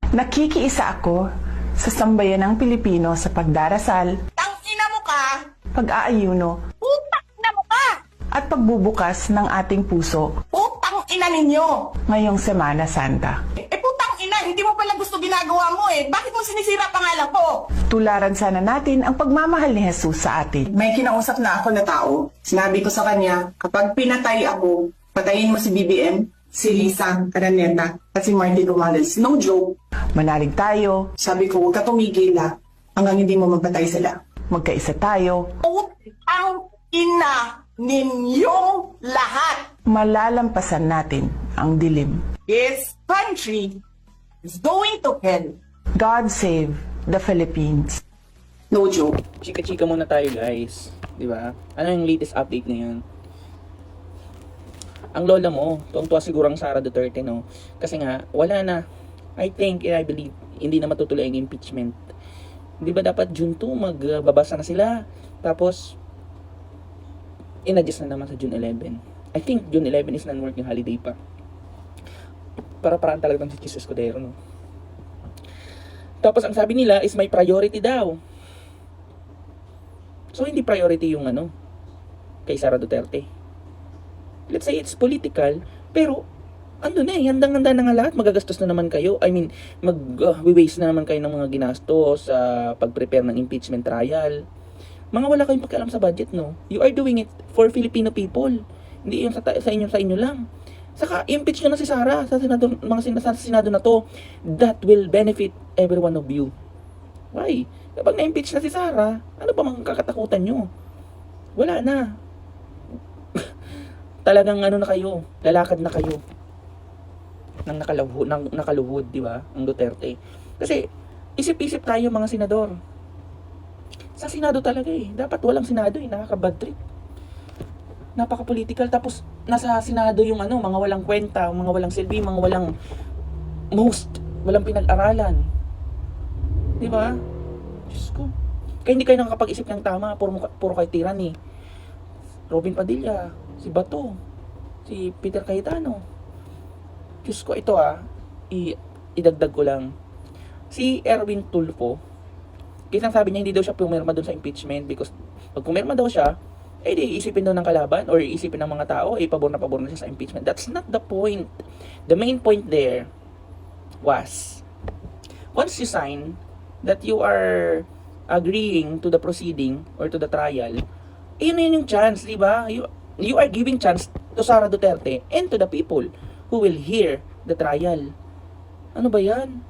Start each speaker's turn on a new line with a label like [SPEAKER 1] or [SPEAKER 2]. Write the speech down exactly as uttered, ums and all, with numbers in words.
[SPEAKER 1] Nakikiisa ako sa sambayanang Pilipino sa pagdarasal,
[SPEAKER 2] Tangina mo ka!
[SPEAKER 1] pag-aayuno,
[SPEAKER 2] Putang ina mo ka!
[SPEAKER 1] at pagbubukas ng ating puso
[SPEAKER 2] Putang ina ninyo!
[SPEAKER 1] ngayong Semana Santa.
[SPEAKER 2] Eh putang ina, hindi mo pala gusto ginagawa mo eh. Bakit mo sinisira pangalan ko?
[SPEAKER 1] Tularan sana natin ang pagmamahal ni Jesus sa atin.
[SPEAKER 2] May kinausap na ako na tao. Sinabi ko sa kanya, kapag pinatay ako, patayin mo si B B M, si Lisa Araneta, at si Martin Romales. No joke.
[SPEAKER 1] Manalig tayo,
[SPEAKER 2] Sabi ko, huwag ka tumigil ha, hanggang hindi mo mapatay sila.
[SPEAKER 1] magkaisa tayo,
[SPEAKER 2] Putang ina ninyong lahat!
[SPEAKER 1] malalampasan natin ang dilim.
[SPEAKER 2] This country is going to hell.
[SPEAKER 1] God save the Philippines.
[SPEAKER 2] No joke.
[SPEAKER 3] Chika-chika muna tayo, guys. Di ba? Ano yung latest update ngayon? Ang lola mo, tuwang-tuwa siguro ang Sara Duterte, no? Kasi nga, wala na. I think, and I believe, hindi na matutuloy ang impeachment. Di ba dapat June two, magbabasa na sila. Tapos, in-adjust na naman sa June eleven. I think June eleven is non-working holiday pa. Para parang talagang si Jesus Escudero, no? Tapos, ang sabi nila is may priority daw. So, hindi priority yung ano, kay Sara Duterte. Let's say it's political, pero ando na eh, handang-handa na nga lahat, magagastos na naman kayo. I mean, mag-waste uh, na naman kayo ng mga ginastos sa uh, pag-prepare ng impeachment trial. Mga wala kayong pakialam sa budget, no? You are doing it for Filipino people. Hindi yung sa, sa inyo sa inyo lang. Saka, impeach nyo na si Sara sa Senado, mga sin- sa Senado na to. That will benefit every one of you. Why? Kapag na-impeach na si Sara, ano pa mga kakatakutan nyo? Wala na. Talagang ano na kayo, lalakad na kayo ng nakaluhod, ng nakaluhod, di ba? Ang Duterte. Kasi isip-isip tayo mga senador. Sa Senado talaga eh. Dapat walang Senado eh, nakaka-bad trip. Napaka-political, tapos nasa Senado yung ano, mga walang kwenta, mga walang silbi, mga walang most, walang pinag-aralan. Di ba? Diyos ko. Kaya hindi kayo nakakapag-isip ng tama, puro, puro kayo tiran eh. Robin Padilla, si Bato, si Peter Cayetano. Diyos ko, ito ah, i idagdag ko lang. Si Erwin Tulfo, kasi sabi niya hindi daw siya pumirma doon sa impeachment because pag pumirma daw siya, eh di isipin daw ng kalaban or isipin ng mga tao, eh pabor na pabor na siya sa impeachment. That's not the point. The main point there was, once you sign that you are agreeing to the proceeding or to the trial, eh yun yun yung chance, di ba? You, you are giving chance to Sara Duterte and to the people who will hear the trial. Ano ba yan?